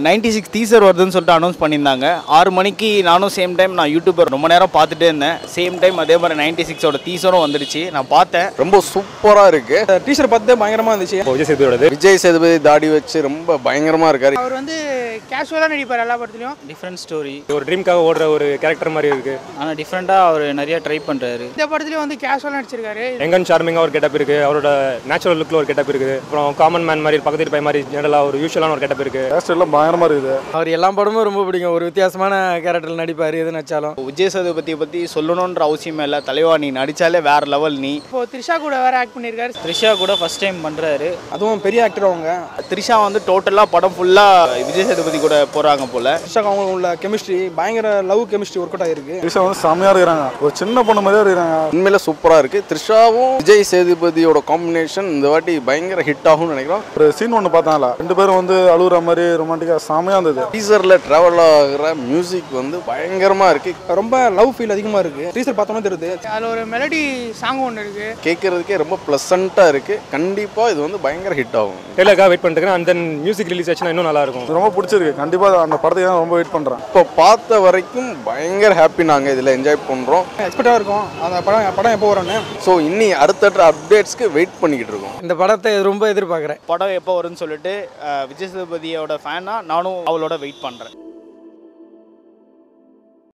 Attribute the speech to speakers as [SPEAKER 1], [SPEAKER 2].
[SPEAKER 1] 96 teaser வருதுன்னு சொல்லிட்டு announce பண்ணியிருந்தாங்க. 6 மணிக்கு நானும் சேம் டைம் நான் யூடியூபர் ரொம்ப நேரம் பார்த்துட்டே இருந்தேன். சேம் டைம் அதே மாதிரி 96ஓட டீசரும் வந்துடுச்சு. நான் பார்த்தேன்,
[SPEAKER 2] ரொம்ப சூப்பராக இருக்கு.
[SPEAKER 3] டீசர் பார்த்து பயங்கரமாக இருந்துச்சு.
[SPEAKER 2] விஜய் சேதுபதி தாடி வச்சு ரொம்ப பயங்கரமாக இருக்காரு.
[SPEAKER 4] அவர் வந்து கேஷுவலாக நடிப்பார் எல்லா படத்துலையும்.
[SPEAKER 5] டிஃப்ரெண்ட் ஸ்டோரி, ஒரு ட்ரீம்காக ஓடுற ஒரு கேரக்டர் மாதிரி இருக்கு. ஆனால் டிஃப்ரெண்ட்டாக அவர் நிறைய ட்ரை பண்ணுறாரு.
[SPEAKER 4] இந்த படத்துலையும் வந்து கேஷுவலாக நடிச்சிருக்காரு.
[SPEAKER 5] எங்கன் சார்மிங்காக ஒரு கெட்டப் இருக்கு, அவரோட நேச்சுரல் லுக்கில் ஒரு கெட்டப் இருக்குது. அப்புறம் காமன் மேன் மாதிரி பக்கத்து பை மாதிரி ஜெனரலாக ஒரு யூஷுவலான ஒரு கெட்டப் இருக்கு.
[SPEAKER 3] எல்லாம் பயங்கரமாக இருக்குது. அவர் எல்லா படமும் ரொம்ப பிடிக்கும். ஒரு வித்தியாசமான கேரக்டரில் நடிப்பார் எது நடிச்சாலும்.
[SPEAKER 1] விஜய் சேதுபதியை பற்றி சொல்லணுன்ற அவசியமே இல்லை. தலைவா, நீ நடித்தாலே வேற லெவல். நீ
[SPEAKER 4] இப்போ த்ரிஷா கூட வேற ஆக்ட் பண்ணியிருக்காரு.
[SPEAKER 5] த்ரிஷா கூட ஃபர்ஸ்ட் டைம் பண்ணுறாரு.
[SPEAKER 3] அதுவும் பெரிய ஆக்டர் அவங்க.
[SPEAKER 1] த்ரிஷா வந்து டோட்டலாக படம் ஃபுல்லாக விஜய் சேதுபதி கூட போகிறாங்க போல.
[SPEAKER 3] த்ரிஷாக்கு அவங்க உள்ள கெமிஸ்ட்ரி பயங்கர லவ் கெமிஸ்ட்ரி ஒர்க் அவுட் ஆகிருக்கு.
[SPEAKER 6] த்ரிஷா வந்து செம்மையாக இருக்கிறாங்க. ஒரு சின்ன பொண்ணு மாதிரியே இருக்கிறாங்க.
[SPEAKER 2] உண்மையில சூப்பராக இருக்கு. த்ரிஷாவும் விஜய் சேதுபதியோட காம்பினேஷன் இந்த வாட்டி பயங்கர ஹிட் ஆகும்னு நினைக்கிறோம்.
[SPEAKER 6] ஒரு சீன் ஒன்று பார்த்தாங்களா, 2 பேரும் வந்து அழுகுற மாதிரி ரொமான்டிக்காக செம்மையாக இருந்தது.
[SPEAKER 2] டீசரில் ட்ராவல் ஆகிற மியூசிக் வந்து பயங்கரமாக இருக்கு.
[SPEAKER 3] ரொம்ப லவ் ஃபீல் அதிகமாக இருக்கு. டீசர் பார்த்தோன்னே தெரியுது.
[SPEAKER 4] அதில் ஒரு மெலடி சாங் ஒன்று இருக்கு.
[SPEAKER 2] கேட்கறதுக்கே ரொம்ப ப்ளசண்ட்டாக இருக்கு. கண்டிப்பாக இது வந்து பயங்கர ஹிட் ஆகும்.
[SPEAKER 5] டெய்லருக்காக வெயிட் பண்ணிட்டு அண்ட் தென் மியூசிக் ரிலீஸ் ஆச்சுன்னா இன்னும் நல்லா இருக்கும்.
[SPEAKER 6] ரொம்ப பிடிச்சிருக்கு. கண்டிப்பாக அந்த படத்துக்கு தான் ரொம்ப வெயிட் பண்ணுறேன்.
[SPEAKER 2] இப்போ பார்த்த வரைக்கும் பயங்கர ஹாப்பி. நாங்கள் இதில் என்ஜாய் பண்ணுறோம்.
[SPEAKER 3] எக்ஸ்பெக்டாக இருக்கும் அந்த படம் எப்போ வரும்னு.
[SPEAKER 2] ஸோ இன்னி அடுத்தடுத்த அப்டேட்ஸ்க்கு வெயிட் பண்ணிக்கிட்டு இருக்கோம்.
[SPEAKER 3] இந்த படத்தை ரொம்ப எதிர்பார்க்குறேன்.
[SPEAKER 1] படம் எப்போ வரும்னு சொல்லிட்டு விஜய் சேதுபதியோட ஃபேனாக நானும் அவளோட வெயிட் பண்ணுறேன்.